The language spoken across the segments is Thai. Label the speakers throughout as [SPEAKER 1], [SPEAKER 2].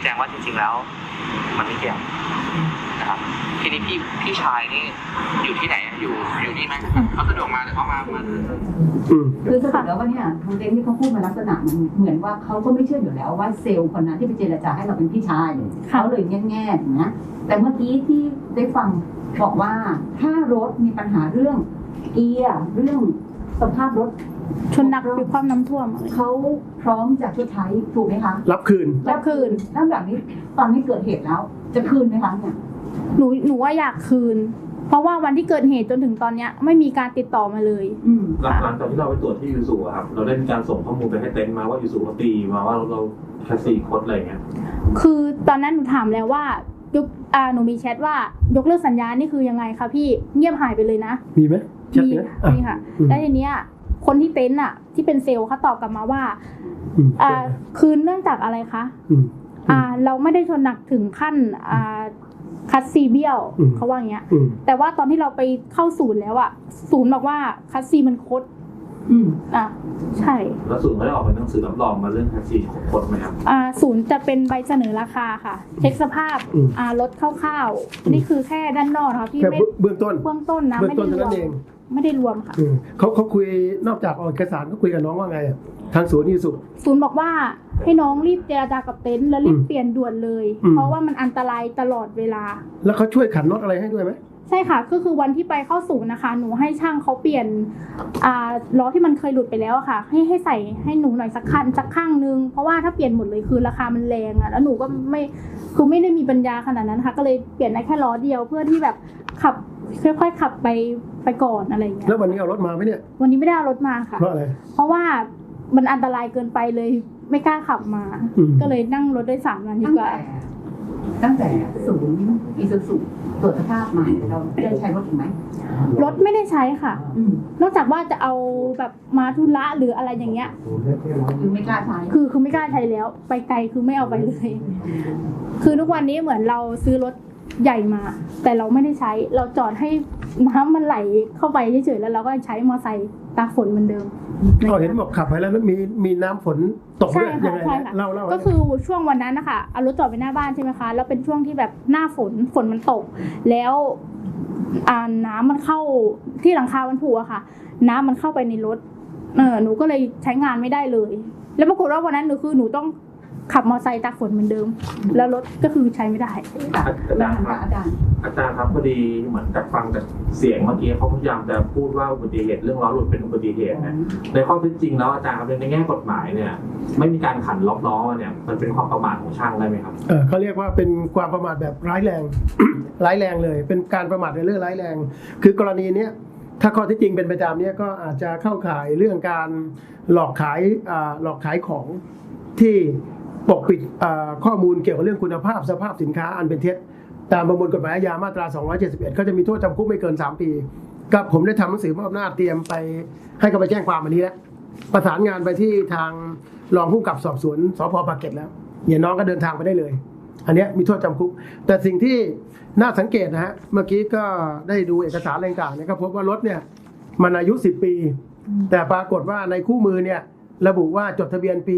[SPEAKER 1] แจงว่าจริงๆแล้วมันไม่เกี่ยวนะครับทีนี้พี่ชายนี่อยู่ที่ไหนอยู่นี่ไหมเขาสะดวกมาหรือเขามา
[SPEAKER 2] คือสรุปแล้วว่าเนี่ยทางเต็นท์ที่เขาพูดมาลักษณะมันเหมือนว่าเขาก็ไม่เชื่ออยู่แล้วว่าเซลล์คนนั้นที่ไปเจรจาให้เราเป็นพี่ชายเขาเลยแง่ๆนะแต่เมื่อกี้ที่ได้ฟังบอกว่าถ้ารถมีปัญหาเรื่องเกียร์เรื่องสภาพรถ
[SPEAKER 3] ชนหนักมีความน้ำท่วม
[SPEAKER 2] เขาพร้อมจะชดใช้ถูกไหมคะ
[SPEAKER 4] รับคืน
[SPEAKER 2] แล้วแบบนี้ตอนนี้เกิดเหตุแล้วจะคืนไหมคะเนี่ย
[SPEAKER 3] หนูว่าอยากคืนเพราะว่าวันที่เกิดเหตุจนถึงตอนเนี้ยไม่มีการติดต่อมาเลย
[SPEAKER 5] หลังจากที่เราไปตรวจที่ยูสุครับเราได้มีการส่งข้อมูลไปให้เต็นท์มาว่ายูสุเขาตีมาว่าเราแค่4 คนอะไรเงี้ย
[SPEAKER 3] คือตอนนั้นหนูถามแล้วว่าหนูมีแชทว่ายกเลิกสัญญานี่คือยังไงคะพี่เงียบหายไปเลยนะ
[SPEAKER 4] มีไหม
[SPEAKER 3] มีค่ะแล้วทีเนี้ยคนที่เต็นท์อ่ะที่เป็นเซลล์เขาตอบกลับมาว่าคืนเนื่องจากอะไรคะเราไม่ได้ชนหนักถึงขั้นคัสซีเบี้ยวเขาว่าอย่างเงี้ยแต่ว่าตอนที่เราไปเข้าศูนย์แล้วอ่ะศูนย์บอกว่าคัสซีมันคดใช่
[SPEAKER 5] แล้วศูนย์ไม่ได้ออกเป็นหนังสือรับรองมาเรื่องคัสซีของคดไหมครับ
[SPEAKER 3] ศูนย์จะเป็นใบเสนอราคาค่ะเช็คสภาพรถคร่าวๆนี่คือแค่ด้านนอกค่ะพี่
[SPEAKER 4] ไม่เบื้องต้น
[SPEAKER 3] นะไม่ได้รวมค่ะ
[SPEAKER 4] เขาคุยนอกจากออกเอกสารเขาคุยกับน้องว่าไงทางศูนย์
[SPEAKER 3] ศูนย์บอกว่าให้น้องรีบเจรจากับเต็นท์แล้วรีบเปลี่ยนด่วนเลยเพราะว่ามันอันตรายตลอดเวลา
[SPEAKER 4] แล้วเขาช่วยขันน็อตอะไรให้ด้วยไหม
[SPEAKER 3] ใช่ค่ะก็คือวันที่ไปเข้าศูนย์นะคะหนูให้ช่างเขาเปลี่ยนล้อที่มันเคยหลุดไปแล้วค่ะให้ใส่ให้หนูหน่อยสักข้างนึงเพราะว่าถ้าเปลี่ยนหมดเลยคือราคามันแรงแล้วหนูก็ไม่ได้มีปัญญาขนาดนั้นค่ะก็เลยเปลี่ยนได้แค่ล้อเดียวเพื่อที่แบบขับค่อยๆขับไปก่อนอะไรอย่างเงี้ย
[SPEAKER 4] แล้ววันนี้เอารถมาไหมเนี่ย
[SPEAKER 3] วันนี้ไม่ได้เอารถมาค่ะ
[SPEAKER 4] เพราะอะไร
[SPEAKER 3] เพราะว่ามันอันตรายเกินไปเลยไม่กล้าขับมาก็เลยนั่งรถได้3 วันดีกว่า
[SPEAKER 2] ตั้งแต่ศูนย์อีซูซุตรวจสภาพมาเราได้ใช้รถถูกไหม
[SPEAKER 3] รถไม่ได้ใช้ค่ะนอกจากว่าจะเอาแบบมาธุระหรืออะไรอย่างเงี้ย
[SPEAKER 2] คือไม่กล้าใช้
[SPEAKER 3] คือไม่กล้าใช้แล้วไปไกลคือไม่เอาไปเลยคือทุกวันนี้เหมือนเราซื้อรถใหญ่มาแต่เราไม่ได้ใช้เราจอดให้น้ำมันไหลเข้าไปเฉยๆแล้วเราก็ใช้มอเตอร์ไซค์ตากฝนเหมือนเดิม
[SPEAKER 4] เห็นบอกขับไปแล้วมีน้ำฝนตกด้วยยังไงเล่า
[SPEAKER 3] ก็คือช่วงวันนั้นนะคะเอารถจอดไปหน้าบ้านใช่ไหมคะแล้วเป็นช่วงที่แบบหน้าฝนมันตกแล้วน้ำมันเข้าที่หลังคามันผุอะค่ะน้ำมันเข้าไปในรถหนูก็เลยใช้งานไม่ได้เลยแล้วปรากฏว่าวันนั้นหนูต้องขับมอเตอร์ไซค์ตากฝนเหมือนเดิมแล้วรถก็คือใช้ไม่ได้
[SPEAKER 5] อาจารย์ครับพอดีเหมือนกับฟังจากเสียงเมื่อกี้เขาพยายามจะพูดว่าอุบัติเหตุเรื่องล้อหลุดเป็นอุบัติเหตุนะในข้อเท็จจริงแล้วอาจารย์ครับในแง่กฎหมายเนี่ยไม่มีการขันล็อกล้อเนี่ยมันเป็นความประมาทของช่างได้ไหมครับ
[SPEAKER 4] เขาเรียกว่าเป็นความประมาทแบบร้ายแรง ร้ายแรงเลยเป็นการประมาทในเรื่องร้ายแรงคือกรณีนี้ถ้าข้อที่จริงเป็นไปตามนี้ก็อาจจะเข้าข่ายเรื่องการหลอกขายของที่ปกปิดข้อมูลเกี่ยวกับเรื่องคุณภาพสภาพสินค้าอันเป็นเท็จตามประมวลกฎหมายอาญามาตรา271ก็จะมีโทษจำคุกไม่เกิน3 ปีกับผมได้ทำหนังสือมอบอำนาจเตรียมไปให้เขาไปแจ้งความอันนี้แล้วประสานงานไปที่ทางรองผู้กำกับสอบสวนสพ.ปากเกร็ดแล้วเนี่ยน้องก็เดินทางไปได้เลยอันนี้มีโทษจำคุกแต่สิ่งที่น่าสังเกตนะฮะเมื่อกี้ก็ได้ดูเอกสารอะไรต่างๆเนี่ยก็พบว่ารถเนี่ยมันอายุ10 ปีแต่ปรากฏว่าในคู่มือเนี่ยระบุว่าจดทะเบียนปี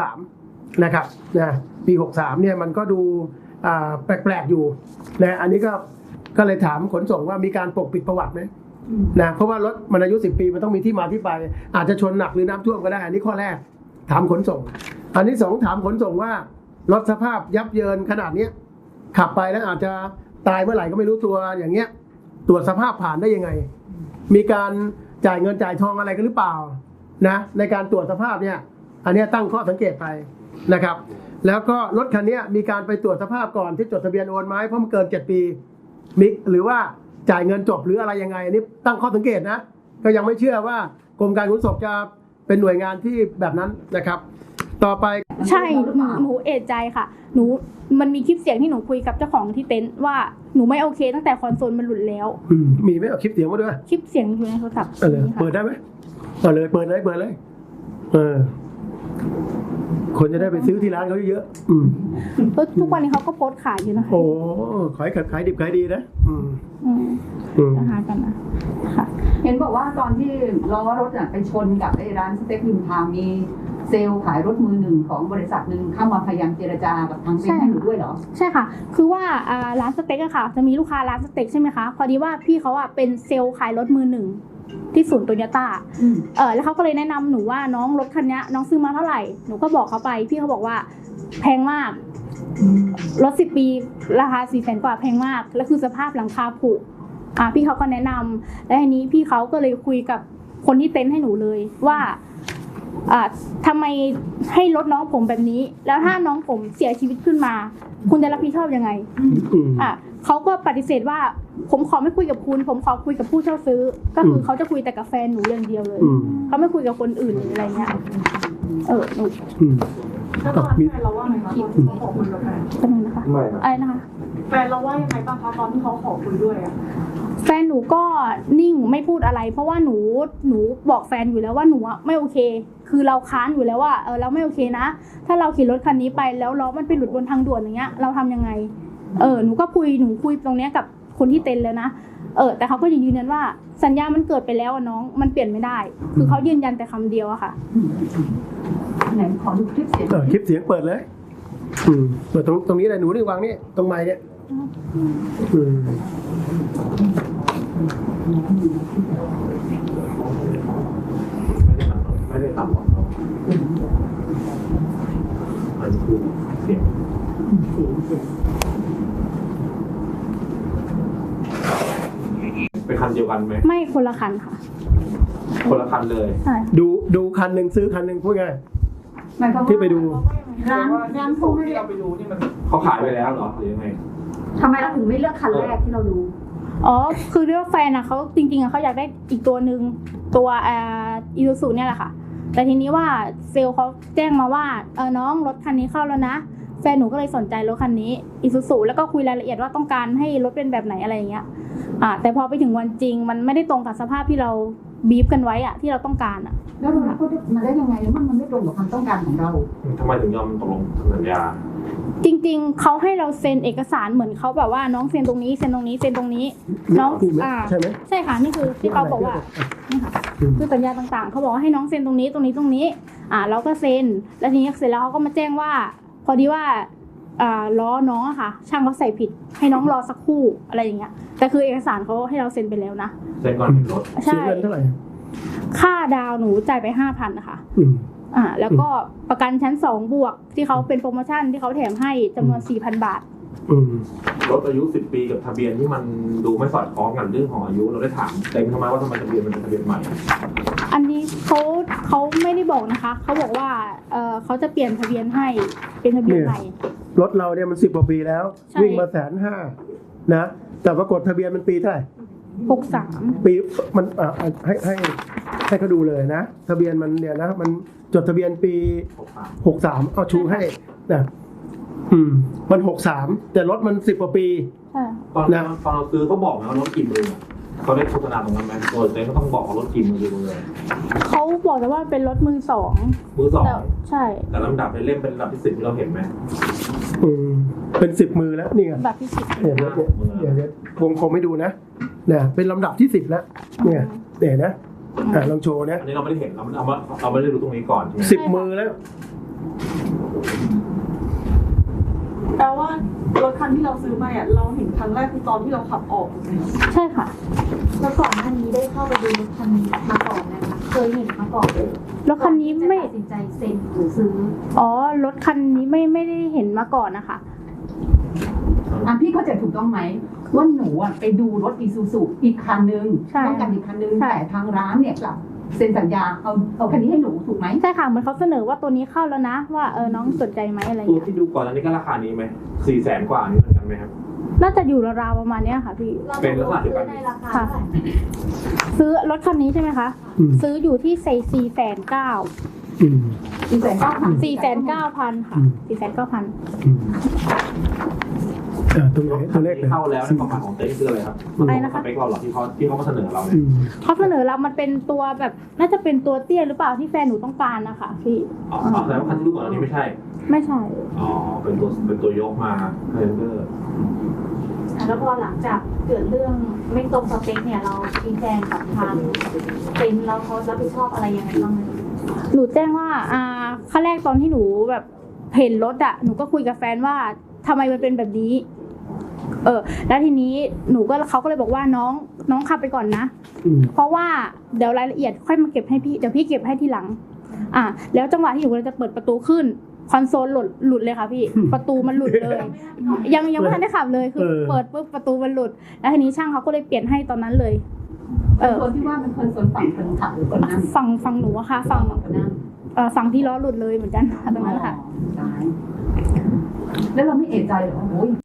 [SPEAKER 4] 63นะครับปี63เนี่ยมันก็ดูแปลกๆอยู่นะอันนี้ก็เลยถามขนส่งว่ามีการปกปิดประวัติไหมนะเพราะว่ารถมันอายุ10 ปีมันต้องมีที่มาที่ไปอาจจะชนหนักหรือน้ำท่วมก็ได้อันนี้ข้อแรกถามขนส่งอันที่2ถามขนส่งว่ารถสภาพยับเยินขนาดนี้ขับไปแล้วอาจจะตายเมื่อไหร่ก็ไม่รู้ตัวอย่างเงี้ยตรวจสภาพผ่านได้ยังไงมีการจ่ายเงินจ่ายทองอะไรกันหรือเปล่านะในการตรวจสภาพเนี่ยอันนี้ตั้งข้อสังเกตไปนะครับแล้วก็รถคันนี้มีการไปตรวจสภาพก่อนที่จดทะเบียนโอนไหมเพราะมันเกิน7 ปีมิกหรือว่าจ่ายเงินจบหรืออะไรยังไงอันนี้ตั้งข้อสังเกตนะก็ยังไม่เชื่อว่ากรมการขนส่งจะเป็นหน่วยงานที่แบบนั้นนะครับต่อไป
[SPEAKER 3] ใช่หนูเอะใจค่ะมันมีคลิปเสียงที่หนูคุยกับเจ้าของที่เต็นท์ว่าหนูไม่โอเคตั้งแต่คอนโซลมันหลุดแล้ว
[SPEAKER 4] มีไหมเอาคลิปเสียงมาด้วย
[SPEAKER 3] คลิปเสียงอยู่ในโทรศัพท์
[SPEAKER 4] เปิดได้ไหมเปิดเลยคนจะได้ไปซื้อที่ร้านเขาเยอะ
[SPEAKER 3] ทุกวันนี้เขาก็โพสต์ขายอยู่นะคะ
[SPEAKER 4] โอ้ขายดิบขายดีนะ
[SPEAKER 3] จะหากันนะค่ะ
[SPEAKER 2] เห็นบอกว่าตอนที่ล้อรถไปชนกับไอ้ร้านสเต็กริมทางมีเซลล์ขายรถมือหนึ่งของบริษัทหนึ่งเข้ามาพยายามเจรจากับทางเต็นท์ให้หนูด้วยเหรอ
[SPEAKER 3] ใช่ค่ะ คือว่าร้านสเต็กอะค่ะ จะมีลูกค้าร้านสเต็กใช่ไหมคะ พอดีว่าพี่เขาอะเป็นเซลล์ขายรถมือหนึ่งที่ศูนย์โตโยต้า แล้วเขาก็เลยแนะนำหนูว่าน้องรถคันนี้น้องซื้อมาเท่าไหร่ หนูก็บอกเขาไป พี่เขาบอกว่าแพงมาก รถ10 ปีราคา400,000 กว่าแพงมาก แล้วคือสภาพหลังคาผุพี่เขาก็แนะนำและทีนี้พี่เขาก็เลยคุยกับคนที่เต็นท์ให้หนูเลยว่าทำไมให้รถน้องผมแบบนี้ แล้วถ้าน้องผมเสียชีวิตขึ้นมา คุณจะรับผิดชอบยังไงเขาก็ปฏิเสธว่าผมขอไม่คุยกับคุณ ผมขอคุยกับผู้เช่าซื้อ ก็คือเขาจะคุยแต่กับแฟนหนูอย่างเดียวเลยเขาไม่คุยกับคนอื่นหรืออะไรเงี้ยหนู
[SPEAKER 6] แล้วตอนนั้นแฟนเราว่าไงคะตอนที่เขาขอคุยกับแฟน
[SPEAKER 3] เป็นไงนะคะอะไรนะคะ
[SPEAKER 6] แฟนเราว่ายังไงบ้างคะตอนที่เขาขอคุยด้วยอะ
[SPEAKER 3] แฟนหนูก็นิ่งไม่พูดอะไร เพราะว่าหนูบอกแฟนอยู่แล้วว่าหนูไม่โอเค คือเราค้านอยู่แล้วว่าเราไม่โอเคนะถ้าเราขี่รถคันนี้ไปแล้วล้อมันไปหลุดบนทางด่วนอย่างเงี้ยเราทำยังไงหนูก็คุยตรงเนี้ยกับคนที่เต็นท์แล้วนะแต่เขาก็ยังยืนยันว่าสัญญามันเกิดไปแล้วน้องมันเปลี่ยนไม่ได้ คือเขายืนยันแต่คำเดียวอะค่ะ
[SPEAKER 2] ไหนขอดูคลิปเสียง
[SPEAKER 4] คลิปเสียงเปิดเลยเปิดตรงนี้เลยหนูนี่วางนี่ตรงไมค์เนี่ย
[SPEAKER 5] ไม่ได้ต่ำกว่าเขามันคือเสียงเป็นคันเดียวกันไหม
[SPEAKER 3] ไม่คนละคันค่ะ
[SPEAKER 5] คนละคันเลย
[SPEAKER 3] ใช่
[SPEAKER 4] ดูคันหนึ่งซื้อคันหนึ่งพูดง่าย
[SPEAKER 2] หมายความว่า
[SPEAKER 4] ที่ไปดู
[SPEAKER 2] ร้านเขาไม่ได้
[SPEAKER 5] เขาขายไปแล้วเหรอหรือยังไง
[SPEAKER 2] ทำไมเราถึงไม่เลือกคันแรกที่เราดู
[SPEAKER 3] คือเรียกว่าแฟนอะเขาจริงๆอะเขาอยากได้อีกตัวหนึ่งตัวอีซูซูเนี่ยแหละค่ะแต่ทีนี้ว่าเซลล์เขาแจ้งมาว่าน้องรถคันนี้เข้าแล้วนะแฟนหนูก็เลยสนใจรถคันนี้อีซูซูแล้วก็คุยรายละเอียดว่าต้องการให้รถเป็นแบบไหนอะไรอย่างเงี้ยแต่พอไปถึงวันจริงมันไม่ได้ตรงกับสภาพที่เราบีฟกันไว้อะที่เราต้องการอะ
[SPEAKER 2] แล้วเราก็มาได้ยังไงมันไม่ตรงกับความต้องการของเรา
[SPEAKER 5] ทำไมถึงยอมตกลงสัญญา
[SPEAKER 3] จริงๆเขาให้เราเซ็นเอกสารเหมือนเขาแบบว่าน้องเซ็นตรงนี้เซ็นตรงนี้เซ็นตรงนี้น้อง
[SPEAKER 4] ใช่ไหม
[SPEAKER 3] ใช่ค่ะนี่คือที่เขาบอกว่านี่ค่ะคือสัญญาต่างๆเขาบอกว่าให้น้องเซ็นตรงนี้ตรงนี้ตรงนี้เราก็เซ็นแล้วทีนี้เสร็จแล้วเขาก็มาแจ้งว่าพอดีว่าล้อน้องอะค่ะช่างเขาใส่ผิดให้น้องรอสักครู่อะไรอย่างเงี้ยแต่คือเอกสารเขาให้เราเซ็นไปแล้วนะ
[SPEAKER 5] เซ็นก่อนเห็นรถ
[SPEAKER 3] ใช่
[SPEAKER 4] เสียเงินเท่าไหร่
[SPEAKER 3] ค่าดาวหนูจ่ายไป 5,000นะคะแล้วก็ประกันชั้น2บวกที่เขาเป็นโปรโมชั่นที่เขาแถมให้จำนวน 4,000 บาท
[SPEAKER 5] รถอายุ10 ปีกับทะเบียนที่มันดูไม่สอดคล้องกันเรื่องของอายุเราได้ถามเต็มทำไมว่าทำไมทะเบียนมันเป็นทะเบียนใหม่
[SPEAKER 3] อันนี้เขาไม่ได้บอกนะคะเขาบอกว่าเขาจะเปลี่ยนทะเบียนให้เป็นทะเบียนใหม่
[SPEAKER 4] รถเราเนี่ยมัน10 กว่าปีแล้ว
[SPEAKER 3] ใช่
[SPEAKER 4] วิ่งมา150,000นะแต่ปรากฏทะเบียนมันปีเท่าไหร่
[SPEAKER 3] 63
[SPEAKER 4] ปีมันให้เขาดูเลยนะทะเบียนมันเนี่ยนะมันจดทะเบียนปี63เอาชูให้นะมัน63แต่รถมัน10 กว่าปี
[SPEAKER 3] ใช่
[SPEAKER 5] ตอนเราซื้อเขาบอกนะว่ารถกี่มือเขาได้โฆษณาตรงนั้นไหมโดยเต็มก็ต้องบอกว่ารถกี่มือเลย
[SPEAKER 3] เขาบอกแต่ว่าเป็นรถมือสอง
[SPEAKER 5] มือสอง
[SPEAKER 3] ใช่
[SPEAKER 5] แต่ลำดับในเล่มเป็นลำดับที่10ที่เราเห็นไหม
[SPEAKER 4] เป็น10 มือแล้วนี่ไง
[SPEAKER 3] แบบที่สิบ
[SPEAKER 4] เดี๋ยววงกลมให้ดูนะเนี่ยเป็นลำดับที่10แล้วเนี่ยเดี๋ยวนะลองโชว์นะ
[SPEAKER 5] อันนี้เราไม่ได้เห็นเราไม่ได้รู้ตรงนี้ก่อนใช่ไหม
[SPEAKER 4] 10 มือแล้ว
[SPEAKER 6] แปลว่ารถคันที่เราซื้อมาอ่ะเราเห็นครั้งแรกคือตอนที่เราขับออกถูกไหม
[SPEAKER 3] ใช่ค่ะ
[SPEAKER 7] แล้วก่อนหน้านี้ได้เข้าไปดูรถคันนี้มาก่อนนะคะเคยเห็นมาก่อน
[SPEAKER 3] รถคันนี้ไม่
[SPEAKER 7] ตัดสินใจเซ็นหรือซื้อ
[SPEAKER 3] รถคันนี้ไม่ได้เห็นมาก่อนนะคะ
[SPEAKER 2] พี่เข้าใจถูกต้องไหมว่าหนูไปดูรถอีซูซูอีกคันนึง
[SPEAKER 3] ใช่
[SPEAKER 2] ต้องการอีกคันนึง
[SPEAKER 3] ใช่
[SPEAKER 2] แต่ทางร้านเนี่ยกลับเซ็นสัญญาเอาคันนี้ให้หนูถูกไหม
[SPEAKER 3] ใช่ค่ะเหมือนเขาเสนอว่าตัวนี้เข้าแล้วนะ ว่าน้องสนใจไหมอะไร
[SPEAKER 5] ตัว
[SPEAKER 3] เงี้ย
[SPEAKER 5] ที่ดูก่อนอันนี้ก็ราคานี้ไหม400,000 กว่านี่เหมือนกันไหมครับ
[SPEAKER 3] น่าจะอยู่ราวๆประมาณเนี้ยค่ะพี่
[SPEAKER 7] เรา
[SPEAKER 5] เป็นลักษณะเดียวกัน
[SPEAKER 7] ในราคาเท่าไหร่
[SPEAKER 3] ซื้อรถคันนี้ใช่ไหมคะ ซื้ออยู่ที่4,900,000 4,900,000ค่ะ4,900,000
[SPEAKER 4] ตรงไหนตัวเลขเลย
[SPEAKER 5] เข้าแล้วในความหมายของเต็นท์คืออะไรครับ
[SPEAKER 3] อะไรนะคะ
[SPEAKER 5] สเปคเราหรอที่เขามาเสนอเราเนี่ย
[SPEAKER 3] เขาเสนอเรามันเป็นตัวแบบน่าจะเป็นตัวเตี้ยหรือเปล่าที่แฟนหนูต้องการนะคะพี่
[SPEAKER 5] อ๋อแสดงว่าคันที่ดูก่อนอันนี้ไม่ใช่
[SPEAKER 3] ไม่ใช่
[SPEAKER 5] อ๋อเป็นตัวยกมาเรนเดอร์
[SPEAKER 7] แล้วพอหลังจากเกิดเรื่องไม่ตรงสเปคเนี่ยเราชี้แจงกับทางเต็นท์แล้วเขารับผิดชอบอะไรยังไงบ้างไหม
[SPEAKER 3] หนูแจ้งว่าขั้นแรกตอนที่หนูแบบเห็นรถอะหนูก็คุยกับแฟนว่าทำไมมันเป็นแบบนี้แล้วทีนี้เขาก็เลยบอกว่าน้องขับไปก่อนนะเพราะว่าเดี๋ยวรายละเอียดค่อยมาเก็บให้พี่เดี๋ยวพี่เก็บให้ทีหลังแล้วจังหวะที่หนูกำลังจะเปิดประตูขึ้นคอนโซลหลุดเลยค่ะพี่ ประตูมันหลุดเลย ยังไม่ทันได้ขับเลยคือเปิดปุ๊บประตูมันหลุดแล้วทีนี้ช่างเขาก็เลยเปลี่ยนให้ตอนนั้นเลย
[SPEAKER 2] คนที่ว่าเป็นคนส่วนฝั่งคนขับหรือคนนั่ง
[SPEAKER 3] ฝั่งหนูอะค่ะฝั่งที่ล้อหลุดเลยเหมือนกันตรงนั้นค่ะ
[SPEAKER 2] แล้วเราไม่เอะใจหรอว่าโอ้ย